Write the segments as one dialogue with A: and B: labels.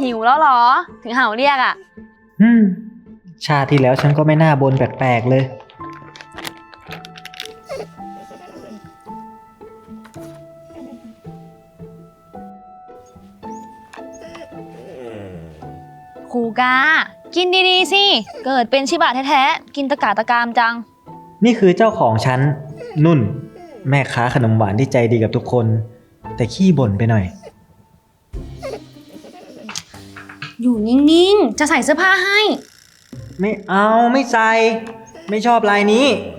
A: หิวแล้วเหรอ ถึงเห่าเรียกอ่ะ
B: อืมชาติที่แล้วฉันก็ไม่น่าบ่นแปลกๆเลย
A: ครูกา กินดีๆสิ เกิดเป็นชิบะแท้ๆ กินตะกาตะกามจัง
B: นี่คือเจ้าของฉัน นุ่น แม่ค้าขนมหวานที่ใจดีกับทุกคน แต่ขี้บ่นไปหน่อย
A: อยู่นิ่งๆ จะใส่เสื้อผ้าให้
B: ไม่เอาไม่ใส่ ไม่ชอบลายนี้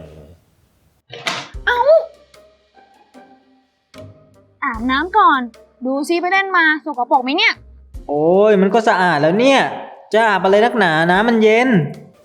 A: อาบน้ำก่อน ดูซิไปเล่นมาสกปรกไหมเนี่ย
B: โอ้ยมันก็สะอาดแล้วเนี่ย จะอาบอะไรนักหนาน้ำมันเย็น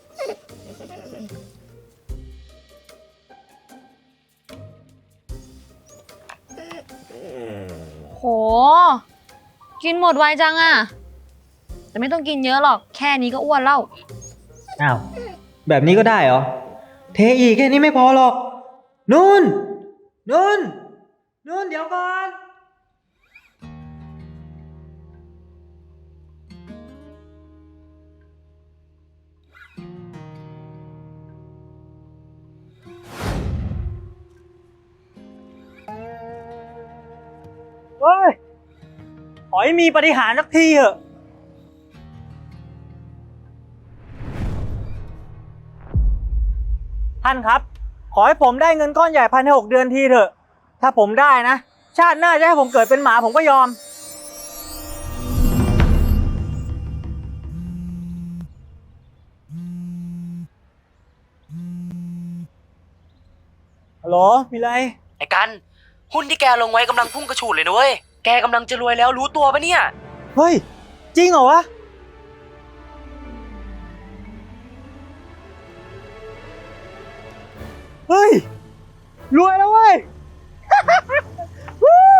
A: โห กินหมดไวจังอะแต่ไม่ต้องกินเยอะหรอก แค่นี้ก็อ้วนแล้ว
B: อ้าว แบบนี้ก็ได้เหรอ เทอีกแค่นี้ไม่พอหรอก นุ่น นุ่น นุ่นเดี๋ยวก่อน เฮ้ย ขอให้มีปาฏิหาริย์สักทีเถอะ ท่านครับ ขอให้ผมได้เงินก้อนใหญ่ภายใน6 เดือนทีเถอะ ถ้าผมได้นะ ชาติหน้าจะให้ผมเกิดเป็นหมาผมก็ยอม ฮัลโหล มีอะไร
C: ไอ้กัน หุ้นที่แกลงไว้กำลังพุ่งกระฉูดเลยนะเว้ย แกกำลังจะรวยแล้วรู้ตัวปะเนี่ย
B: เฮ้ย จริงเหรอวะ เฮ้ย รวยแล้วเว้ย วู้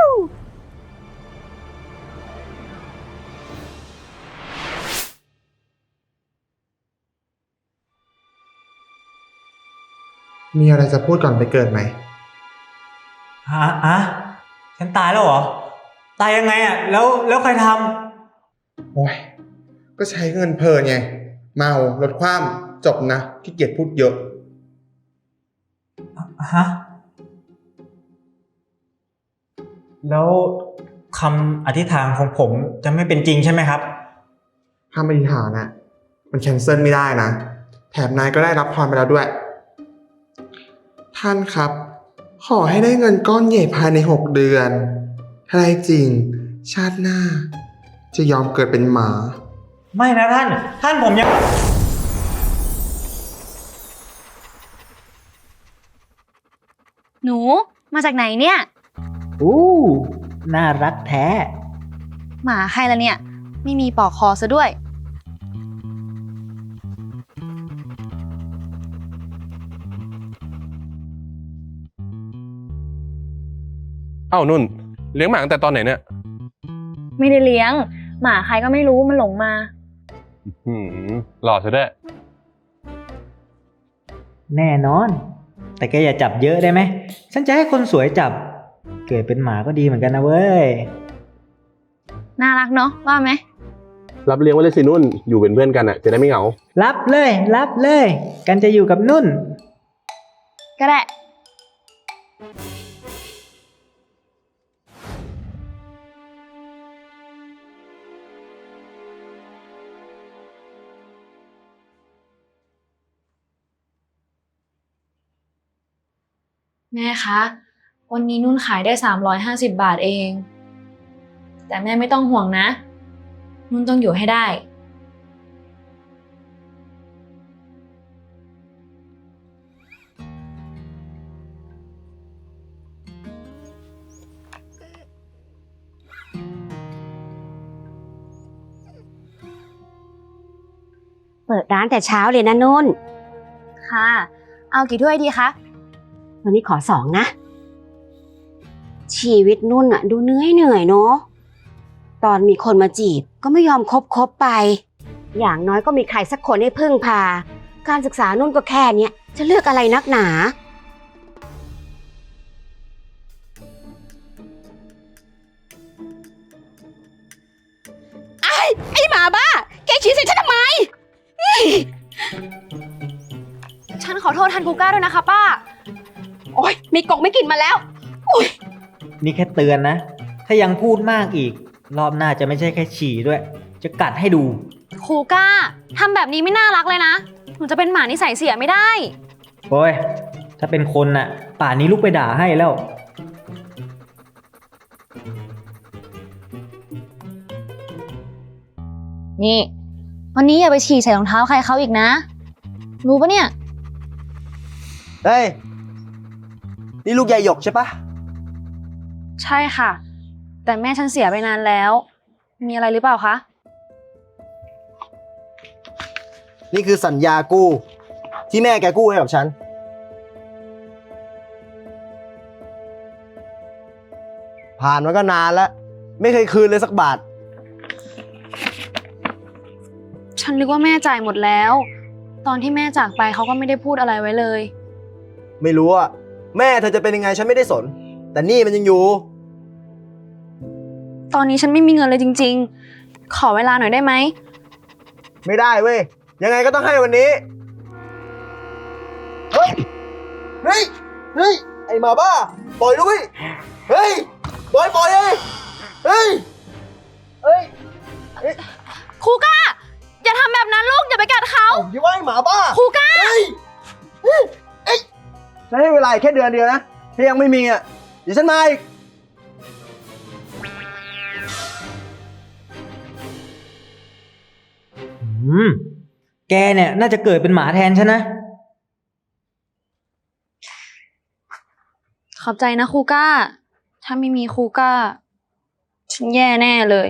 D: มีอะไรจะพูดก่อนไปเกิดไหม
B: ฉันตายแล้วเหรอ ตายยังไงอ่ะ แล้วใครท
D: โอ้ย ก็ใช้เงินเพลินไง เมาลดความจบนะขี้เกียจพูดเยอะ
B: ำฮะ แล้วคำอธิษฐานของผมจะไม่เป็นจริงใช่ไหมครับ
D: ถ้าไม่อธิษฐานอ่ะ มันแคนเซิลไม่ได้นะ แถมนายก็ได้รับพรไปแล้วด้วย ท่านครับ ขอให้ได้เงินก้อนใหญ่ภายใน6 เดือน ถ้าได้จริง ชาติหน้า จะยอมเกิดเป็นหมา
B: ไม่นะท่านผมยัง
A: หนูมาจากไหนเนี่ย
B: อู้น่ารักแท้
A: หมาใครละเนี่ย ไม่มีปลอกคอซะด้วย
E: เอ้านุ่นเลี้ยงหมาตั้งแต่ตอนไหนเนี่ย
A: ไม่ได้เลี้ยง หมาใครก็ไม่รู้มันหลงมา
E: หล่อซะด้วย
B: แน่นอน แต่แกอย่าจับเยอะได้ไหม ฉันจะให้คนสวยจับ เกิดเป็นหมาก็ดีเหมือนกันนะเว้ย
A: น่ารักเนาะว่าไหม
E: รับเลี้ยงไว้เลยสินุ่นอยู่เป็นเพื่อนกันอ่ะจะได้ไม่เหงา
B: รับเลย รับเลย กันจะอยู่กับนุ่น
A: ก็ได้ แม่คะ วันนี้นุ่นขายได้350 บาทเอง แต่แม่ไม่ต้องห่วงนะ นุ่นต้องอยู่ให้ได้
F: เปิดร้านแต่เช้าเลยนะนุ่น
A: ค่ะ เอากี่ถ้วยดีคะ
F: วันนี้ขอ2นะ ชีวิตนุ่นอะดูเหนื่อยเนาะ ตอนมีคนมาจีบก็ไม่ยอมคบไป อย่างน้อยก็มีใครสักคนให้พึ่งพา การศึกษานุ่นก็แค่เนี้ยจะเลือกอะไรนักหนา ไอ้หมา
A: ษแทนคูก้าด้วยนะคะป้า
F: โอ๊ยมีกกไม่กินมาแล้ว
B: นี่แค่เตือนนะ ถ้ายังพูดมากอีก รอบหน้าจะไม่ใช่แค่ฉี่ด้วย จะกัดให้ดู
A: คูก้าทำแบบนี้ไม่น่ารักเลยนะ หนูจะเป็นหมานิสัยเสียไม่ได้
B: โอ้ย ถ้าเป็นคนน่ะ ป่านนี้ลุกไปด่าให้แล้ว
A: นี่ วันนี้อย่าไปฉี่ใส่รองเท้าใครเขาอีกนะ รู้ปะเนี่ย
G: เฮ้ย นี่ลูกยายหยกใช่ปะ
A: ใช่ค่ะ แต่แม่ฉันเสียไปนานแล้ว มีอะไรหรือเปล่าคะ
G: นี่คือสัญญากู้ ที่แม่แกกู้ให้กับฉัน ผ่านมาก็นานแล้ว ไม่เคยคืนเลยสักบาท
A: ฉันนึกว่าแม่จ่ายหมดแล้ว ตอนที่แม่จากไปเขาก็ไม่ได้พูดอะไรไว้เลย
G: ไม่รู้อะแม่เธอจะเป็นยังไงฉันไม่ได้สน แต่นี่มันยังอยู่
A: ตอนนี้ฉันไม่มีเงินเลยจริงๆ ขอเวลาหน่อยได้ไหม
G: ไม่ได้เว้ย ยังไงก็ต้องให้วันนี้ เฮ้ย เฮ้ย เฮ้ย ไอ้หมาบ้า ปล่อยด้วย เฮ้ย ปล่อยเลยเฮ้ย เฮ้ย
A: คูก้า อย่าทำแบบนั้นลูก อย่าไปกัดเขา
G: อย่าว่าไอ้หมาบ้า
A: คูก้า
G: เฮ้ยเอ้ยฉันให้เวลาอีกแค่เดือนเดียวนะ ถ้ายังไม่มีอ่ะ เดี๋ยวฉันมาอีก
B: แกเนี่ยน่าจะเกิดเป็นหมาแทนฉันนะ
A: ขอบใจนะคูก้า ถ้าไม่มีคูก้า ฉันแย่แน่เลย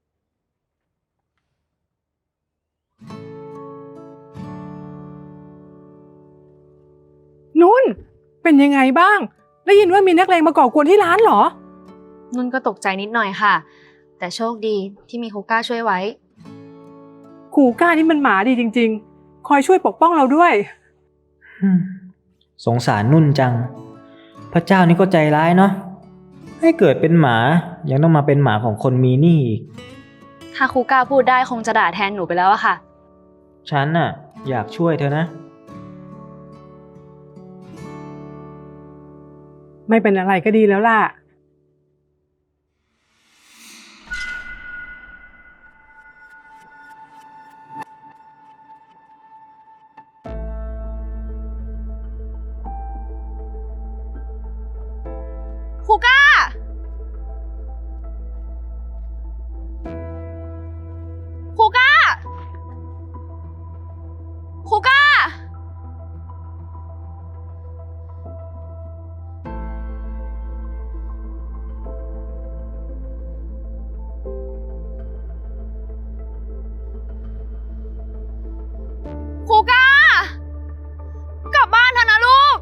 H: นุ่น เป็นยังไงบ้าง ได้ยินว่ามีนักเลงมาก่อกวนที่ร้านเหรอ
A: นุ่นก็ตกใจนิดหน่อยค่ะ แต่โชคดีที่มีคูก้าช่วยไว้
H: ขู่ก้านี่มันหมาดีจริงๆ คอยช่วยปกป้องเราด้วย
B: สงสารนุ่นจัง พระเจ้านี่ก็ใจร้ายเนาะ ให้เกิดเป็นหมายังต้องมาเป็นหมาของคนมีหนี้อีก
A: ถ้าคูก้าพูดได้คงจะด่าแทนหนูไปแล้วอะค่ะ
B: ฉันน่ะ อยากช่วยเธอนะ
H: ไม่เป็นอะไรก็ดีแล้วล่ะ
A: คูก้า คูก้า คูก้า คูก้า กลับบ้านเถอะนะลูก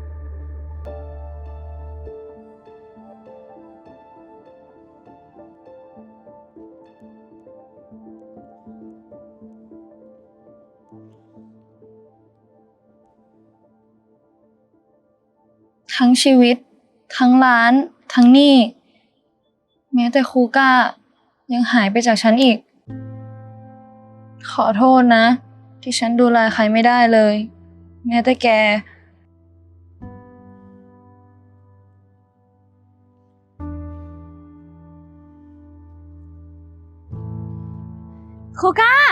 A: ทั้งชีวิต ทั้งร้าน ทั้งหนี้ แม้แต่คูก้ายังหายไปจากฉันอีก ขอโทษนะ ที่ฉันดูแลใครไม่ได้เลย แม้แต่แก คูก้า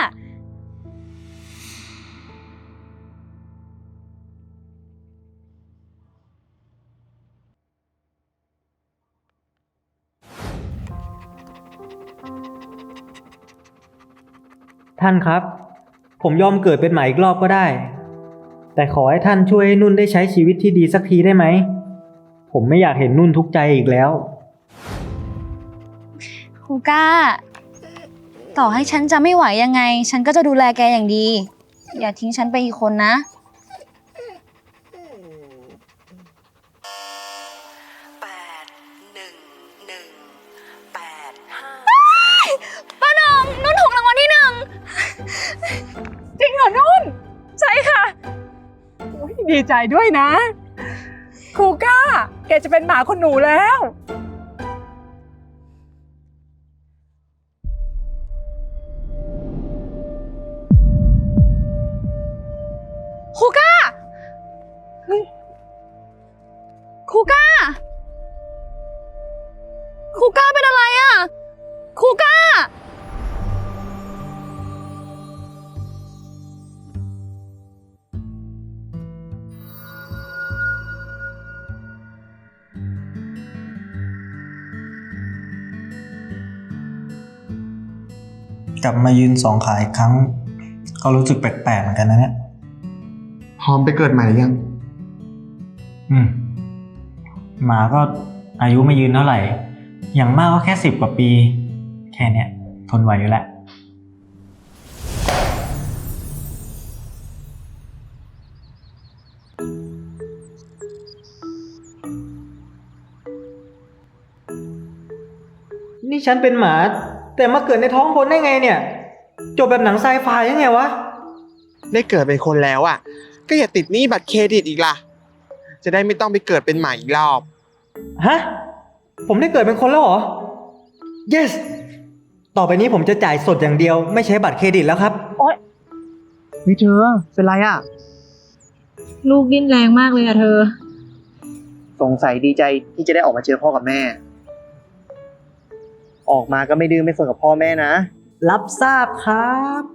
B: ท่านครับ ผมยอมเกิดเป็นหมาอีกรอบก็ได้ แต่ขอให้ท่านช่วยให้นุ่นได้ใช้ชีวิตที่ดีสักทีได้ไหม ผมไม่อยากเห็นนุ่นทุกข์ใจอีกแล้ว
A: คูก้า ต่อให้ฉันจะไม่ไหวยังไง ฉันก็จะดูแลแกอย่างดี อย่าทิ้งฉันไปอีกคนนะ ป้าหนงนุ่นถูกรางวัลที่หนึ่ง
H: จริงเหรอนุ่น ใช่ค่ะโอ้ยดีใจด้วยนะครูก้า แกจะเป็นหมาคนหนูแล้ว
A: คูก้าครูก้า ครูก้าเป็นอะไรอะ ครูก้า
B: กลับมายืนสองขาอีกครั้ง ก็รู้สึกแปลกๆเหมือนกันนะเนี่ย
D: พร้อมไปเกิดใหม่หรือยัง
B: หมาก็อายุไม่ยืนเท่าไหร่ อย่างมากก็แค่10 กว่าปี แค่เนี้ยทนไหวอยู่แหละ นี่ฉันเป็นหมา แต่มาเกิดในท้องคนได้ไงเนี่ย จบแบบหนังไซไฟยังไงวะ
D: ได้เกิดเป็นคนแล้วอ่ะ ก็อย่าติดหนี้บัตรเครดิตอีกล่ะ จะได้ไม่ต้องไปเกิดเป็นหมาอีกรอบ
B: ฮะ ผมได้เกิดเป็นคนแล้วเหรอ yes ต่อไปนี้ผมจะจ่ายสดอย่างเดียว ไม่ใช้บัตรเครดิตแล้วครับ
G: เฮ้ยเธอ เป็นไรอ่ะ
A: ลูกดิ้นแรงมากเลยอะเธอ
G: สงสัยดีใจที่จะได้ออกมาเจอพ่อกับแม่ ออกมาก็ไม่ดื้อไม่สนกับพ่อแม่นะ
B: รับทราบครับ